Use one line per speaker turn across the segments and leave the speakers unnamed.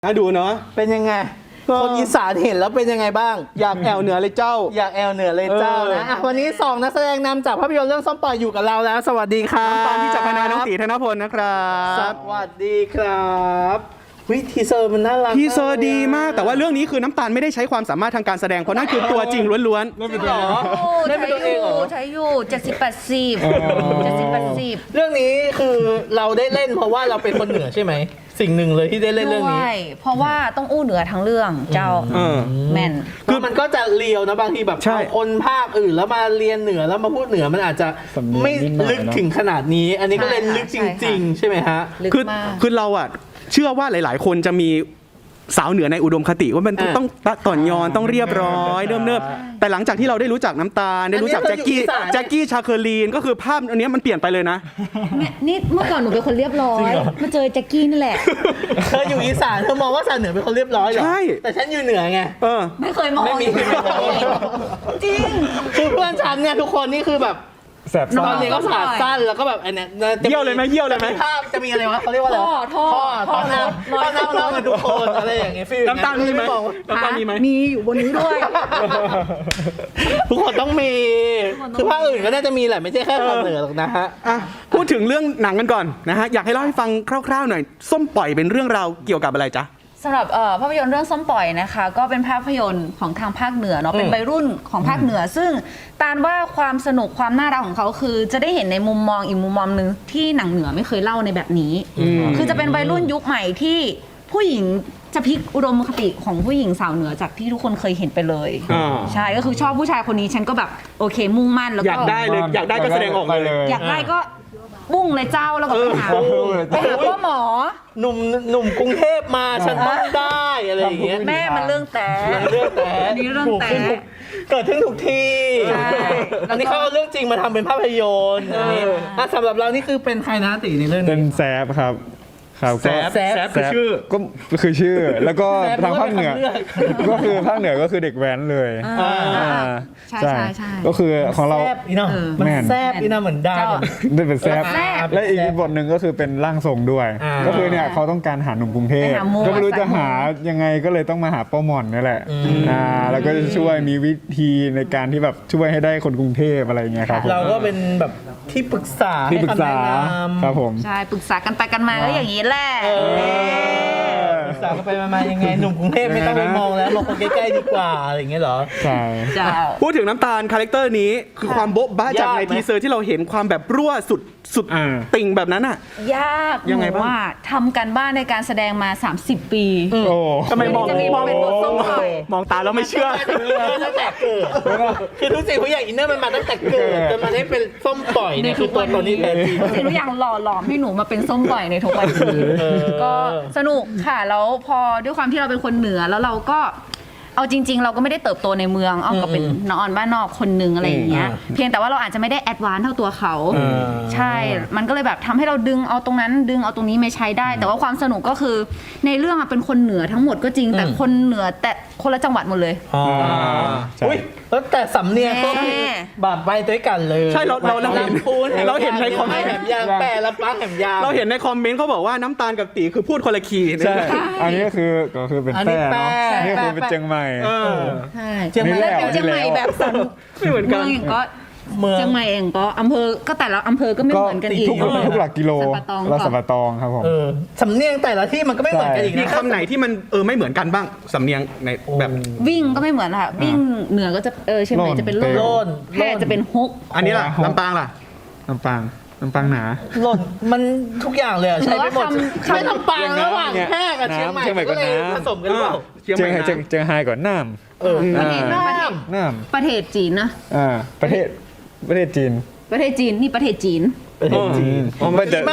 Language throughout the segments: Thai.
น่าดูเนาะ
เป็นยังไงคนอีสานเห็นแล้วเป็นยังไงบ้าง
อยากแอวเหนือเลยเจ้า
อยากแอลเหนือเลยเจ้านะวันนี้2นักแสดงนำจากภาพยนตร์เรื่องส้มปล่อยอยู่กับเราแล้วสวัสดีครับ
น้ำตาลที่จากคณะน้องตีธนพลนะครับ
สวัสดีครับวิทีเซอร์มันน่ารัก
ทีเซอร์ดีมากแต่ว่าเรื่องนี้คือน้ำตาลไม่ได้ใช้ความสามารถทางการแสดงเพราะนั่นคือตัวจริงล้วน
ๆหรอได้เป็นตัวเองเหรอ
ใช้อยู่70-80เ
รื่องนี้คือเราได้เล่นเพราะว่าเราเป็นคนเหนือใช่ไหมสิ่งหนึ่งเลยที่ได้เล่นเรื่องนี้
เพราะว่าต้องอู้เหนือทั้งเรื่องเจ้าแม่น
คือมันก็จะเลียวนะบางทีแบบคนภาคอื่นแล้วมาเรียนเหนือแล้วมาพูดเหนือมันอาจจะไม่ลึกถึงขนาดนี้อันนี้ก็เล่นลึกจริงๆใช่ไหมฮะ
คือเราอ่ะเชื่อว่าหลายๆคนจะมีสาวเหนือในอุดมคติว่ามันต้องต่อนยอนต้องเรียบร้อยเนิบๆแต่หลังจากที่เราได้รู้จักน้ำตาลได้รู้จักแจ็คกี้ชาเคอรีนก็คือภาพอันนี้มันเปลี่ยนไปเลยนะ
นี่เมื่อก่อนหนูเป็นคนเรียบร้อยมาเจอแจ็คกี้นี่แหละ
เธออยู่อีสานเธอมองว่าสาวเหนือเป็นคนเรียบร้อยเหรอ
ใช่
แต่ฉันอยู่เหนือไง
ไม่เคยมองจริง
คือเพื่อนฉันเนี่ยทุกคนนี่คือแบบตอนนี้ก็ขาสั้นแล้วก็แบบอันนี้
เยี่ยวเลยไหม
ภาพจะมีอะไรวะเขาเรียกว่าอะไรท่อน้ำกันทุกคนอะไรอย่างเงี้ยฟีล
น้ำตาลมีไหม
มีอยู่บนนี้ด้วย
ทุกคนต้องมีคือภาคอื่นก็น่าจะมีแหละไม่ใช่แค่ภาคเหนือหรอกนะฮะ
พูดถึงเรื่องหนังกันก่อนนะฮะอยากให้เล่าให้ฟังคร่าวๆหน่อยส้มปล่อยเป็นเรื่องราวเกี่ยวกับอะไรจ๊ะ
สำหรับภาพยนตร์เรื่องส้มปล่อยนะคะก็เป็นภาพยนตร์ของทางภาคเหนือเนาะเป็นวัยรุ่นของภาคเหนือซึ่งตาลว่าความสนุกความน่ารักของเขาคือจะได้เห็นในมุมมองอีกมุมมองนึงที่หนังเหนือไม่เคยเล่าในแบบนี้คือจะเป็นวัยรุ่นยุคใหม่ที่ผู้หญิงจะพลิกอุดมคติของผู้หญิงสาวเหนือจากที่ทุกคนเคยเห็นไปเลยใช่ก็คือชอบผู้ชายคนนี้ฉันก็แบบโอเคมุ่งมั่นแล้วก็
อยากได้เลยอยากได้ก็แสดงออกเลย
อยากได้ก็บุ้งเลยเจ้าแล้วก็ไปหาพ่อหมอ
หนุ่มกรุงเทพมาฉันต้องได้อะไรอย่างเงี้ย
แม่มันเรื่องแต่อันนี้เรื่องแต่
เกิดขึ้นทุกที่อันนี้เขาเอาเรื่องจริงมาทำเป็นภาพยนตร์สำหรับเรานี่คือเป็นใครนะตีในเรื่องนี้
เป็นแซฟครับ
แซฟคือชื่อ
ก็คือชื่อแล้วก็ทางภาคเหนือก็คือภาคเหนือก็คือเด็กแว้นเลย
ใช่
ก็คือของเรา
มันแซบอีน่าเหมือนได้
ได้เป็นแซฟและอีกบทหนึ่งก็คือเป็นร่างทรงด้วยก็คือเนี่ยเขาต้องการหาหนุ่มกรุงเทพก็ไม่รู้จะหายังไงก็เลยต้องมาหาป้าหม่อนนี่แหละแล้วก็จะช่วยมีวิธีในการที่แบบช่วยให้ได้คนกรุงเทพอะไรเงี้ยครับ
เราก็เป็นแบบที่ปรึกษา
ครับผม
ใช่ปรึกษากันไปกันมาก็อย่างนี้แหละ
ปรึกษากันไปมายังไงหนุ่มกรุงเทพไม่ต้องไปมองแล้วมองคนใกล้ๆดีกว่าอะไรอย่างเงี้ยเหรอ
ใช่
พูดถึงน้ำตาลคาแรคเตอร์นี้คือความโบ๊ะบ้าจากในทีเซอร์ที่เราเห็นความแบบรั่วสุดติ่งแบบนั้นอ่ะ
ยากยังไงบ้างว่าทำกันบ้านในการแสดงมา30 ปี
ทำไมมองตาแล้วไม่เชื่อ
ตั้งแต่เกิดคือทุกสิ่งทุกอย่างอินเนอร์มันมาตั้งแต่เกิดจนมาได้เป็นส้มปล่อยเนี่ยคือตัวตนนี้แท้จริง
ทุกอย่างหล่อหลอมให้หนูมาเป็นส้มปล่อยในทุกวันนี้ก็สนุกค่ะแล้วพอด้วยความที่เราเป็นคนเหนือแล้วเราก็เอาจริงๆเราก็ไม่ได้เติบโตในเมืองก็เป็นน้องบ้านนอกคนนึงอะไรอย่างเงี้ยเพียงแต่ว่าเราอาจจะไม่ได้แอดวานซ์เท่าตัวเขาใช่มันก็เลยแบบทำให้เราดึงเอาตรงนั้นดึงเอาตรงนี้ไม่ใช้ได้แต่ว่าความสนุกก็คือในเรื่องเป็นคนเหนือทั้งหมดก็จริงแต่คนเหนือแต่คนละจังหวัดหมดเลย
อุ้ยแล้วแต่สำเนียงก็คือบาดไปด้วยกันเลย
ใช่เราเห็นในคอมเมนต์
แหมยางแปรละปังแหมยาง
เราเห็นในคอมเมนต์เขาบอกว่าน้ำตาลกับตีคือพูดคนละคีย์
ใช่อันนี้ก็คือเป็นแป้เนาะนี่คือเป็นเชียงใหม่
ใช่เชียงใหม่แบบสั่น
ไม่เหมือนกัน
เชียงใหม่เองก็อำเภอก็แต่ละอำเภอก็ไม่เหมือนกันอีก
ทุกหลักกิโลละสัปตองครับผม
สำเนียงแต่ละที่มันก็ไม่เหมือนกันอีก
มีคำไหนที่มันไม่เหมือนกันบ้างสำเนียงในแบบ
วิ่งก็ไม่เหมือนค่ะวิ่งเหนือก็จะเชียงใหม่จะเป็นโล่นแพร่จะเป็นฮก
อันนี้ล่ะลำปางล่ะ
ลำปางหนา
หล่นมันทุกอย่างเลยใช้ไปหมดใช้ลำปางระหว่างแพร่กับเชียงใหม่ก็เลยผสมกันหรือเปล่า
เชียงไฮ้ก่อนน้ำ
ประเทศจีนนะ
ประเทศจีน
นี่ประเทศจีน
มันจะ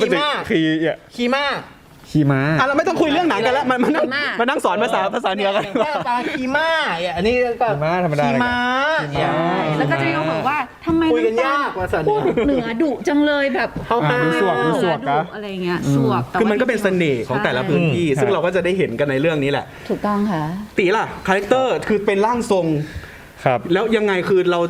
ขี่ม้า
เราไม่ต้องคุยเรื่องหนังกันแล้วมันนั่งสอนภาษาเหนือกัน
ขี่ม้าอันนี้ก็
ขี่ม้าธรรมดา
ขี่ม้า
แล้วก็จะมีคำบอกว่าทำไม
คุยกันยากภาษา
เหนือดุจังเลยแบบ
มีสวก
อะไรเงี้ยสวก
คือมันก็เป็นเสน่ห์ของแต่ละพื้นที่ซึ่งเราก็จะได้เห็นกันในเรื่องนี้แหละ
ถูกต้องค่ะ
ตีล่ะคาแรคเตอร์คือเป็นร่างทรง
ครับ
แล้วยังไงคือเรา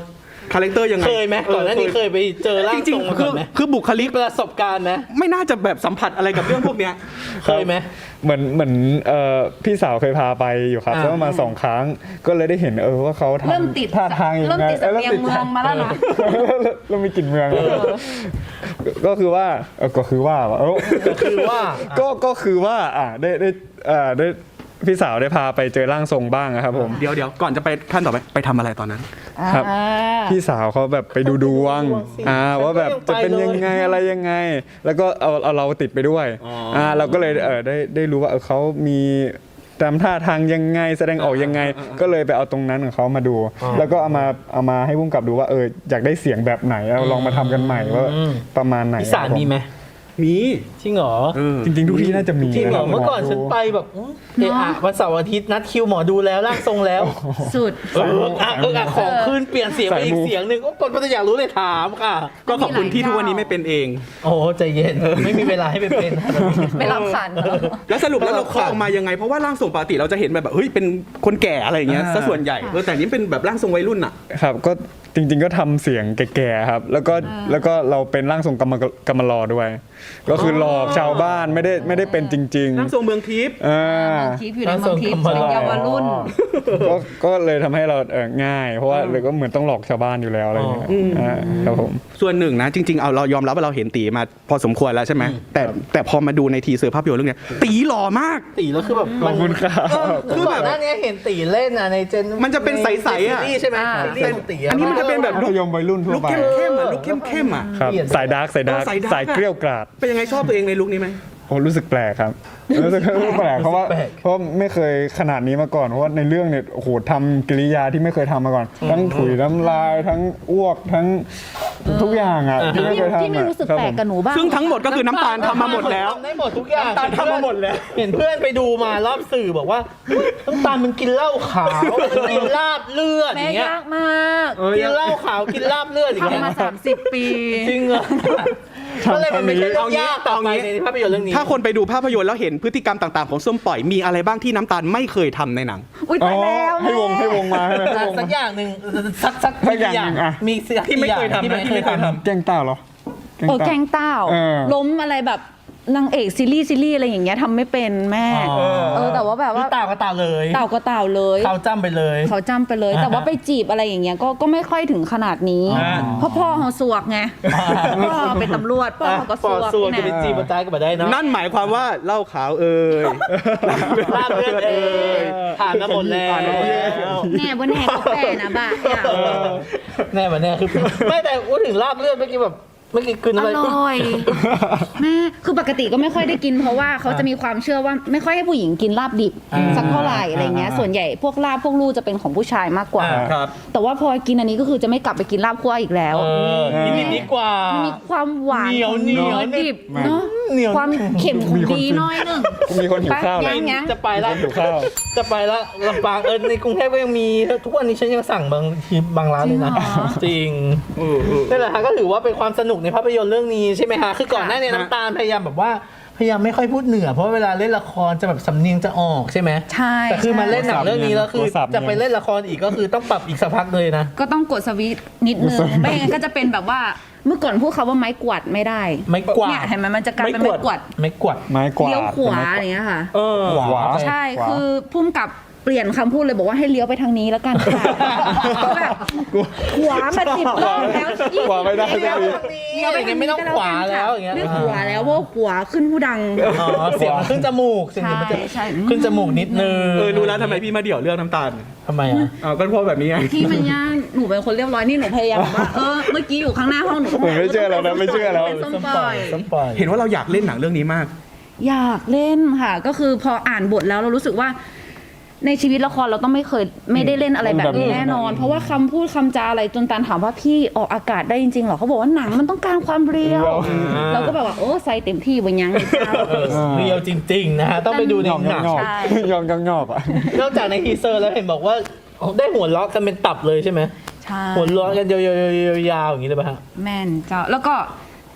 คาแรคเตอร์ยังไง
เคยไหมก่อนหน้านี้เคยไปเจอร่าง
จริ
ท
ง
รงมา
ๆคื
ก่
อ
อนไหม
คือบุคลิก
ประสบการณ์ไหม
ไม่น่าจะแบบสัมผัสอะไรกับเรื่องพวกเนี้ย
เคยไหม
เหมือนพี่สาวเคยพาไปอยู่ครับ
อ่า
แล้วมา2 ครั้งก็เลยได้เห็นว่าเขาทำ
เริ่มติด
ท่าทางยัง
เริ่ม
ไง
ติดสำเนียงเมืองมาแล้วนะ
เริ่มมีกลิ่นเมืองแล้วก็คือว่าก็คือว่า
คือว่า
ก็คือว่าได้พี่สาวได้พาไปเจอร่างทรงบ้างนะครับผม
เดี๋ยวก่อนจะไปขั้นต่อไปทำอะไรตอนนั้น
ครับ พี่สาวเขาแบบไปดูดวงว่าแบบจะเป็นยังไงอะไรยังไง แล้วก็เอาเราติดไปด้วยเราก็เลยได้รู้ว่าเขามีตามท่าทางยังไงแสดงออกยังไง ก็เลยไปเอาตรงนั้นของเขามาดู แล้วก็เอามาให้พุ่งกับดูว่าอยากได้เสียงแบบไหนเราลองมาทำกันใหม่ว่าประมาณไหน
อีสานมีไหม
มี
จริงเหรอ
จริงๆทุกที่น่าจะมี
จริงเหรอ
นะคบ
เมื่อก่อนฉันไปแบบวันเสาร์อาทิตย์นัดคิวหมอดูแล้วร่างทรงแล้ว
สุด
ของขึ้นเปลี่ยนเสียงไปอีกเสียงหนึ่งก็คนก็จะอยากรู้เลยถามค่ะ
ก็ขอบคุณที่ทุกวันนี้ไม่เป็นเอง
โอ้ใจเย็นไม่มีเวลาให้ไปเป็น
ไม่รับขัน
แล้วสรุปแล้วเราเคาะออกมายังไงเพราะว่าร่างทรงปกติเราจะเห็นแบบเฮ้ยเป็นคนแก่อะไรอย่างเงี้ยซะส่วนใหญ่แต่นี้เป็นแบบร่างทรงวัยรุ่นอ่ะ
ครับก็จริงๆก็ทำเสียงแก่ๆครับแล้วก็เราเป็นร่างทรงกำมะลอด้วย ก็คือหลอกชาวบ้านไม่ได้เป็นจริงๆ
ร่างทรงเมืองทิพย์
ทิพย์อยู่ในเมืองทิพย์เป็นเยาวรุ่น
ก็เลยทำให้เราง่าย เพราะว่าเลยก็เหมือนต้องหลอกชาวบ้านอยู่แล้วอะไรอย่างเงี้ยครับผม
ส่วนหนึ่งนะจริงๆเอาเรายอมรับว่าเราเห็นตีมาพอสมควรแล้วใช่ไหมแต่พอมาดูในทีเซอร์ภาพยนตร์เรื่องเนี้ยตีหล่อมาก
ตีแล้วคือแบบ
ขอบคุณครับ
คือแบบหน้านี้เห็นตีเล่นในเจน
มันจะเป็นใสๆอะ
ซีรีส์ใช่ไหมซีรีส์ของตี
อันนี้มันจะเป็นแบบ
มัธยมวัยรุ่นทั่ว
ลุก
ไป
เข้มๆอ่ะลุกเข้มๆอ่ะ
ครับสายดาร์กสายเกลี้ยวกราด
เป็นยังไงชอบตัวเองในลุคนี้ไหม
โอ้รู้สึกแปลกครับรู้สึกแปลกเพราะว่าไม่เคยขนาดนี้มาก่อนเพราะว่าในเรื่องเนี่ยโอ้โหทำกิริยาที่ไม่เคยทำมาก่อน ทั้งถุยน้ำลายทั้งอ้วกทั้งทุกอย่างอ่ะที่ไม่เคยทำ
ที่ไม่รู้สึกแปลกกับหนูบ้าง
ซึ่งทั้งหมดก็คือน้ำตาลทำมาหมดแล้ว
ทำได้หมดทุกอย่าง
น้ำตาลทำมาหมดแล้ว
เห็นเพื่อนไปดูมารอบสื่อบอกว่าน้ำตาลมันกินเหล้าขาวมันกินลาบเลือดอ
แม่
ย่างเงี้ย
ยากมาก
กินเหล้าขาวกินลาบเลือดอย่างเงี้ย
ทำมา30 ปี
จริงเหรอก็เลยมันไม่ใช่เรื่องยากต่อไปในภาพยนตร์เรื่องนี้
ถ้าคนไปดูภาพยนตร์แล้วเห็นพฤติกรรมต่างๆของส้มปล่อยมีอะไรบ้างที่น้ำตาลไม่เคยทำในหนัง
อุ้ยตายแล้ว
ให้วงมาให้ไหมให้วง
สั
มาก
อย่างหนึ่งสัก
สักอย่างหนึ่งอะ
มีสัก
ที่ไม่เคยทำ
ที่ไม่เคยทำ
แกงเต้าเหรอ
แกงเต้า ล้มอะไรแบบนางเอกซีรีส์อะไรอย่างเงี้ยทำไม่เป็นแม่แต่ว่าแบบว่า
เต่าก็เต่าเลย
เต่าก็เต่าเลย
เขาจ้ำไปเลย
เขาจำไปเลย แต่ว่าไปจีบอะไรอย่างเงี้ยก็ไม่ค่อยถึงขนาดนี้ เพราะพ่อเขาสวกไงพ่อเป็นตำรวจพ่อเขาก็
ป
ส
อ
ว
ด
ก
ส่วนจะ
นะ
ไปจีบมาตายก็มาได้เนาะ
นั่นหมายความว่าเหล้าขาวเอ่ย
ลาบเลือดเอ้ยผ่านมาหมดแล้ว
แน่บนแน่ก็แปรนะบ้าเนี่ย
แน่มาแน่คือไม่แต่พูดถึงลาบเลือดเมื่อกี้แบบเมื่อกี้คืน
อ
อะไร
ร่อยแม่คือปกติก็ไม่ค่อยได้กินเพราะว่าเขาจะมีความเชื่อว่าไม่ค่อยให้ผู้หญิงกินลาบดิบสักเท่าไหร่อะไรเงี้ยส่วนใหญ่พวกลาบพวกลูจะเป็นของผู้ชายมากกว่า
ครับ
แต่ว่าพอกินอันนี้ก็คือจะไม่กลับไปกินลาบคั่วอีกแล้ว
กินนิดดีกว่า
มันมีความหวาน
เหนียว
ของ
เหนียว
ดิบเนาะ
เหนียว
ความเค็มของดีหน้อยหนึง
มีคนหิวข้าว
ไป
เลย
ยัง
จะไปละ
หิวข้าว
จะไปละลำปางในกรุงเทพก็ยังมีทุกวันนี้ฉันยังสั่งบางทีบางร้านเลยนะจริงนั่นแหละฮะก็ถือว่าเป็นความสนุกในภาพยนตร์เรื่องนี้ใช่ไหมฮะคือก่อนหน้านี้น้ำตาลพยายามแบบว่าพยายามไม่ค่อยพูดเหนือเพราะว่าเวลาเล่นละครจะแบบสำเนียงจะออกใช่ไหม
ใช่
แต่คือมาเล่นหนังเรื่องนี้แล้วคือ
โทรศัพท์เนี่ย
จะไปเล่นละครอีกก็คือต้องปรับอีกสักพักเลยนะ
ก็ต้องกดสวิตช์นิดนึงไม่งั้นก็จะเป็นแบบว่าเมื่อก่อนพูดคาว่าไม้กวาดไม่ได้
ไม่กวา
เนี่ย
ด
เห็นไหมมันจะกลายเป็นไม้กวาด
ไม่กวาด
ไม้กวาด
เลี้ยวขวาอย่างเงี้ยค่ะ
ขวา
ใช่คือพุ่มกับเปลี่ยนคำพูดเลยบอกว่าให้เลี้ยวไปทางนี้แล้วกันค่ะแบบขวามา10 รอบแล้ว
ขวาไม่ได้
เลี้ยว
สักที
ทางนี้อย่างเงี้ยไม่ต้องขวาแล้วอย่างเงี้ย
ไม่ขวาแล้วเพราะว่าขวาขึ้นผู้ดัง
อ๋อเสียงมันขึ้นจมูกเสียงมันจะ
ใช่
ขึ้นจมูกนิดนึง
รู้แล้วทำไมพี่มาเดี่ยวเรื่องน้ำตาล
ทำไมอ่ะ
ก็เพราะแบบนี้ไง
ที่มันยากหนูเป็นคนเรียบร้อยนี่หนูพยายามแบบว่าเมื่อกี้อยู่ข้างหน้าห้องหนู
ผมไม่เชื่อแล้วนะไม่เชื่อแล้ว
เป็นส้มปล่อย
ส้มปล่อย
เห็นว่าเราอยากเล่นหนังเรื่องนี้มาก
อยากเล่นค่ะก็คือพออ่านบทแล้วเรารู้สึกว่าในชีวิตละครเราต้องไม่ได้เล่นอะไรแบบนี้แน่นอน เพราะว่าคำพูดคำจาอะไรจนตาลถามว่าพี่ออกอากาศได้จริงๆเหรอเขาบอกว่าหนังมันต้องการความเรียวเราก็แบบว่าโอ้ใส่เต็มที่บนยังเลยเจ้า
เรียวจริงๆนะฮะต้องไปดูใน
ยอม
หนัง
งอก
ใช่
ยอมงอกอ่ะ
นอกจากในทีเซอร์แล้วเห็นบอกว่าได้หัวเราะกันเป็นตับเลยใช่ไหม
ใช่
หัวเราะกันยาวๆอย่างนี้เลยป่ะฮะ
แม่นเจ้าแล้วก็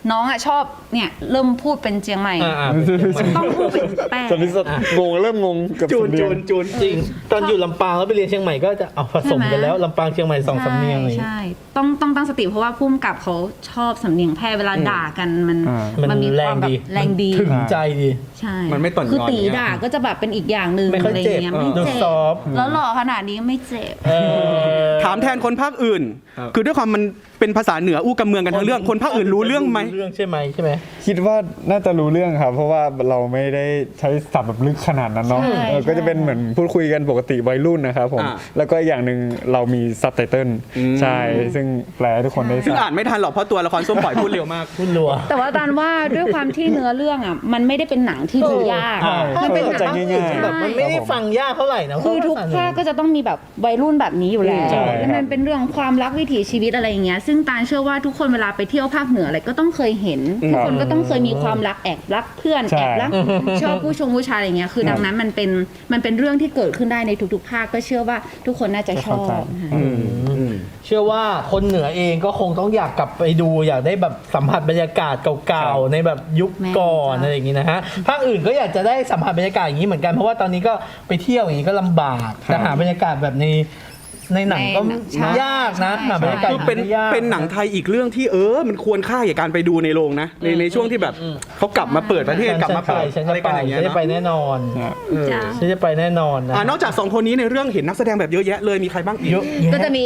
น้องอ่ะชอบเนี่ยเริ่มพูดเป็นเจียงใหม่ ต้องพูดเป็นแป้ง
ตอนนี้งงเริ่มงงกับ
จูน
สำเนียง
จริง ตอนอยู่ลำปางแล้วไปเรียนเชียงใหม่ก็จะเอาผสมกันแล้วลำปางเชียงใหม่2 สำเนียงเลย
ใช่ต้องตั้งสติเพราะว่าพุ่มกับเขาชอบสำเนียงแพร่เวลาด่ากันมัน
มัน
มี
แร
ควาง มแบบ
ดี
แรงดี
ถึงใจดี
ใช่
มันไม่ต่อนย้อน
คือตี
อย่างเงี้ย
ด่าก็จะแบบเป็นอีกอย่างหนึ่ง
ไม่ค่อย
อะไร
เจ็บ
เงี้ยไม่
ดู
เจ็บ
ซอฟต์
แล้วหล่อขนาดนี้ไม่เจ็บ
ถามแทนคนภาคอื่น คือด้วยความมันเป็นภาษาเหนืออู้กำเมืองกันทั้งเรื่องคนภาคอื่นรู้เรื่องไหม
รู้เรื่องใช่ไหม
คิดว่าน่าจะรู้เรื่องครับ เพราะว่าเราไม่ได้ใช้ศัพท์แบบลึกขนาดนั้นเนาะ
ใช่
ก็จะเป็นเหมือนพูดคุยกันปกติวัยรุ่นนะครับผม
อ่า
แล้วก็อย่างหนึ่งเรามีซับไตเติลใช่ซึ่งแปลให้ทุกคนได้ท
ซึ่ง
รา
อ่า
บ
นไม่ทันหรอกเพราะตัวละครส้มปล่อยพูดเร็วมาก
พูดรัว
แต่ว่าตานว่าด้วยความที่เนื้อเรื่องอ่ะมันไม่ได้เป็นหนังที่ดูยาก
ใช่
มันเป็นห
เข้า
นั
ใจ
ง
ง่ายๆ
แบบมันไม่ได้ฟังยากเท่าไหร่นะ
คือทุกภาคก็จะต้องมีแบบวัยรุ่นแบบนี้อยู่แล้ว
ใช่
แล้วมันเป็นเรื่องความรักวิถีชีวิตอะไรอย่างเงี้ยซึ่งตาลเชื่อว่าทุกคนเวลาไปเที่ยวภาคเหนืออะไรก็ต้องเคยเห็นทุกคนก็ต้องเคยมีความรักแอบรักเพื่อน
ใช่
แอบรักชอบผู้ชายอะไรเงี้ยคือดังนั้นมันเป็นเรื่องที่เกิดขึ้นได้ในทุกๆภาคก็เชื่อว่าทุกคนน่าจะชอบ
เชื่อว่าคนเหนือเองก็คงต้องอยากกลับไปดูอยากได้แบบสัมผัสบรรยากาศเก่าๆในแบบยุคก่อนอะไรอย่างงี้นะฮะภาคอื่นก็อยากจะได้สัมผัสบรรยากาศอย่างนี้เหมือนกันเพราะว่าตอนนี้ก็ไปเที่ยวอย่างนี้ก็ลำบากจะหาบรรยากาศแบบในหนังก็
ใช่
ยากนะ
ใช่
หาบรรยากาศ
คือเป็น
ได้ยาก
เป็นหนังไทยอีกเรื่องที่มันควรค่าแก่การไปดูในโรงนะในช่วงที่แบบเขากลับมาเปิดประเทศกลับมาเปิด
ฉัน
อะไร
จะไป
กันอย่างเงี้ย
ฉันจะ
เนาะ
ไปแน่นอน
จ้ะ
ฉันจะไปแน่นอนนะ
นอกจาก2คนนี้ในเรื่องเห็นนักแสดงแบบเยอะแยะเลยมีใครบ้างอีก
เยอะ
ก็จะมี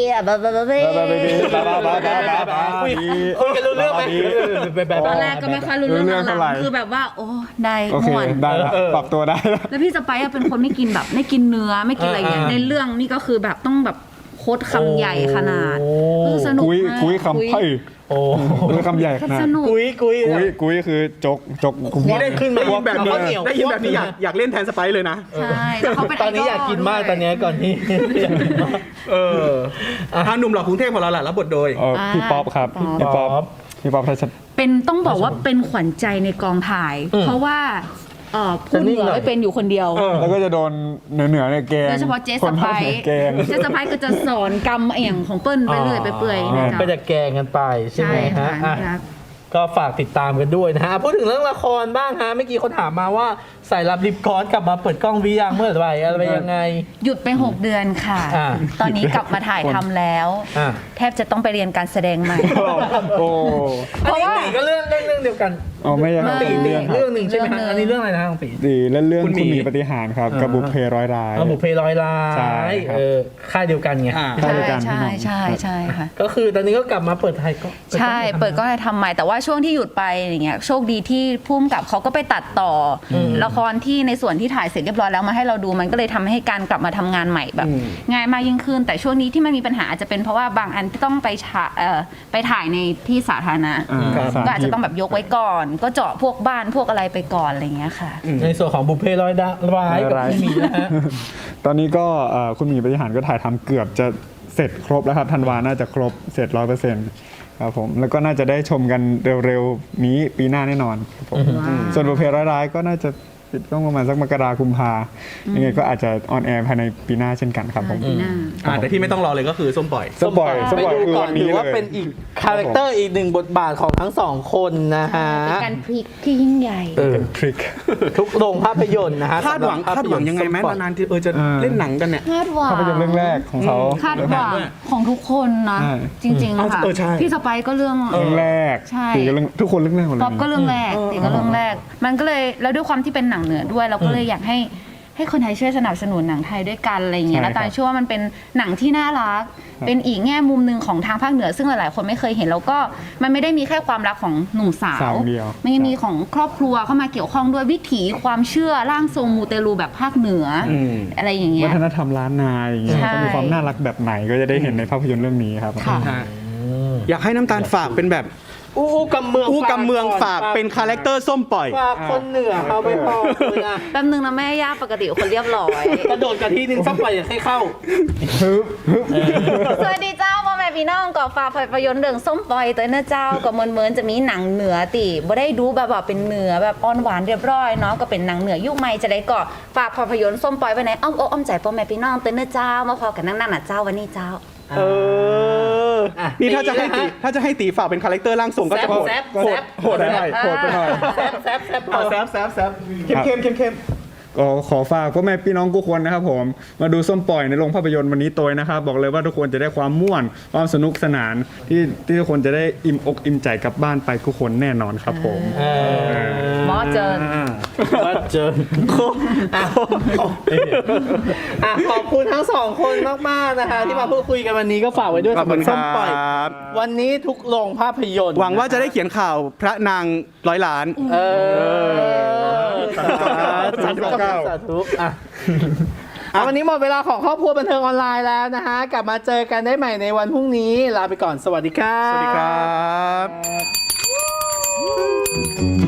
คุยกันรู้เรื่องไหม
ตอนแรกก็ไม่ค่อยรู้เรื่อง
รู้เรื่อง
หลั
เท่าไหร่
งๆคือแบบว่าโอ้ได้
โอเค
ม่วน
ได้แล้วปรับตัวได้แล้ว
แล้วพี่สไปซ์อะเป็นคนไม่กินแบบไม่กินเนื้อไม่กินอะไรอย่างเงี้ยในเรื่องนี่ก็คือแบบต้องแบบโคตรคำใหญ่ขนาดสนุก
กุ้ย
มาก
คำไพ่
โอ้
กุ้ยคำใหญ่ขนาด
สนุก
กุ้ย
กุ้ยคือจก
นี่ได้
ขึ้นมา
ได้ยินแบบนี้
ข้าวเหนียว
ได้ยินแบบนี้อยากเล่นแทนสไปซ์เลยนะ
ใช่แล้วเขาเป็น
ตอนนี้อยากกินมากตอนนี้ก่อนที่อยากกินมาก
ทางหนุ่มหล่อกรุงเทพของเราแหละรับบทโดย
พี่ป๊อปครับพี่ป๊อปทัช
เป็นต้องบอกว่าเป็นขวัญใจในกองถ่าย เพราะว่าพูดเหนือไม่เป็นอยู่คนเดียว
แล้วก็จะโดนเหนือเนี่ยแกง
โดยเฉพาะเจส
คน
ไป
ภาคเหนือแกง
เจสไปก็จะสอนกรรมเอี่ยงของเปิ้ลไปเรื่อยไปเปื่อยนะ
ไป
จ๊ะ
จะแกงกันไปใช่ไหม
ใช่
ฮะ
ค่ะ
อ่ะก็ฝากติดตามกันด้วยนะฮะพูดถึงเรื่องละครบ้างฮะเมื่อกี้คนถามมาว่าสายลับลิปกอนกลับมาเปิดกล้องวิยังเมื่อไหร่อะไรยังไง
หยุดไป 6 เดือนค่ะ
อ่า
ตอนนี้กลับมาถ่ายทำแล้ว
อ่า
แทบจะต้องไปเรียนการแสดงใหม่
โอ้
อันนี้ตีก็เรื่องเดียวกัน
อ๋อไม่ใช่
ตี
เรื่อง
เรื่องหนึ่งใช่ไหม
เรื่องหนึ่
ฮะ
ง
อันนี้เรื่องอะไรนะของตี
ดีและเรื่อง
คุณ
คุณ
หมี
หมีปฏิหารย์ครับกับบุพเพร้อยร้าย
บุพเพลอยลา
ใช่
ย
ครับ
ค่ายเดียวกันไง
อ่า
ใช่
ใช่
ด้วยกัน
ใช่ใช่ใช่ค่ะ
ก็คือตอนนี้ก็กลับมาเปิดไทยก็
ใช่เปิดก็ทำใหม่แต่ว่าช่วงที่หยุดไปอย่างเงี้ยโชคดีที่พุ่มกับเขาก็ไปตัดต่ออละครที่ในส่วนที่ถ่ายเสร็จเรียบร้อยแล้วมาให้เราดูมันก็เลยทำให้การกลับมาทำงานใหม่แบบ ง่ายมากยิ่งขึ้น แต่ช่วงนี้ที่มันมีปัญหาอาจจะเป็นเพราะว่าบางอันที่ต้องไปถ่ายในที่สาธารณะ ก็อาจจะต้องแบบยกไว้ก่อน ก็เจาะพวกบ้านพวกอะไรไปก่อนอะไรอย่างเงี้ยค่ะ
ในส่วนของบุพเพลอยร้ายกับพี่หมีนะฮะ
ตอนนี้ก็คุณหมีปฏิหารย์ก็ถ่ายทำเกือบจะเสร็จครบแล้วครับธันวาน่าจะครบเสร็จ 100%ครับผมแล้วก็น่าจะได้ชมกันเร็วๆนี้ปีหน้าแน่นอนครับผมส่วนบุพเพร้ายๆก็น่าจะปิดกล้องประมาณสักมกราคมกุมภายังไงก็อาจจะออนแอร์ภายในปีหน้าเช่นกันครับผม
ปีหน้า
แต่ที่ไม่ต้องรอเลยก็คือส้มปล่อย
สปอย
ไปดู
คือ
ก่อ
วัน นนี้
ถือว่า
เลย
เป็นอีกคาแรคเตอร์อีกหนึ่งบทบาทของทั้งสองคนนะฮะ
เป็นการพลิกที่ยิ่งใหญ่
เป็นทริค
ทุกโรงภาพยนตร์นะฮะ
คาดหวัง
สำรับภพนตร์
ยังไงไหมนานๆที่จะเล่นหนังกันเนี่ย
คาดหวัง
ภาพยนตร์เรื่องแรกของเขา
คาดหวังของทุกคนนะ
ใช่
จริงๆค่ะ
ใช่
พี่สไปซ์ก็เรื่อง
เรื่องแรก
ใช่
ตีก็เรื่องทุกคนเรื่องแรกหมดเลย
ป๊อปก็เรื่องแรกตีก็เรื่องแรก มันก็เลยแล้วด้วยความที่เป็นหนังเหนือด้วย เราก็เลยอยากให้คนไทยช่วยสนับสนุนหนังไทยด้วยกันอะไรอย่างเงี้ย
ใช่
แล้วตา
ครับ
เชื่อว่ามันเป็นหนังที่น่ารัก เป็นอีกแง่มุมหนึ่งของทางภาคเหนือ ซึ่งหลายๆคนไม่เคยเห็นแล้วก็มันไม่ได้มีแค่ความรักของหนุ่มสา
สาว วเดียว
มันยังมีของครอบครัวเข้ามาเกี่ยวข้องด้วยวิถีความเชื่อร่างทรงมูเตลูแบบภาคเหนือออะไรอย่างเงี้
วั
ย
ฒนธรรมล้านนาอย่างเงี้ย
ใช่
ก็มีความน่ารักแบบไหนก็จะได้เห็นในภาพยนตร์เรื่องนี้ครับ
ค่ะ
อยากให้น้ำตาลฝากเป็นแบบ
อู้กำเมือง
อู้กำเมืองฝากเป็นคาแรคเตอร์ส้มปล่อย
ฝากคนเหนือเอาไปพอเลยนะ
แป๊บนึงนะแม่ย่าปกติคนเรียบร้อย
กระโดดกันทีนึงสักไปอยากให้เข้า
สวัสดีเจ้าพ่อแม่พี่น้องก่อฝากภาพยนตร์เรื่องส้มปล่อยตัวเนื้อเจ้าก็เหมือนจะมีหนังเหนือติบ่ได้ดูแบบว่าเป็นเหนือแบบอ่อนหวานเรียบร้อยเนาะก็เป็นหนังเหนือยุคใหม่จะได้ก็ฝากภาพยนตร์ส้มปล่อยไว้ในอ้อมอกอ้อมใจพ่อแม่พี่น้องตัวเนื้อเจ้ามาพอกันนั่งๆน่ะเจ้าวันนี้เจ้า
นี่ถ้าจะให้ตีฝากเป็นคาแรคเตอร์ร่างทรงก็จะโหด
แซบ
โหดไปหน่อย
โหดไปหน่อย
แซบ
แซบเข้ม
ก็ขอฝากพ่อแม่พี่น้องทุกคนนะครับผมมาดูส้มปล่อยในโรงภาพยนตร์วันนี้ตัวนะครับบอกเลยว่าทุกคนจะได้ความม่วนความสนุกสนานที่ทุกคนจะได้อิ่มอกอิ่มใจกลับบ้านไปทุกคนแน่นอนครับผม
หมอเจิน
ว่าเจอขอบคุณทั้งสองคนมากๆนะคะที่มาพูดคุยกันวันนี้ก็ฝากไว้ด้วย
ขอบ
สำห
คุ
รับ
ณ
ส้มปล่อย
ครับ
วันนี้ทุกโรงภาพยนตร์
หวังว่าจะได้เขียนข่าวพระนาง100 ล้าน
สาธุวันนี้หมดเวลาของครอบครัวบันเทิงออนไลน์แล้วนะคะกลับมาเจอกันได้ใหม่ในวันพรุ่งนี้ลาไปก่อนสวัสดีครับ
สวัสดีครับ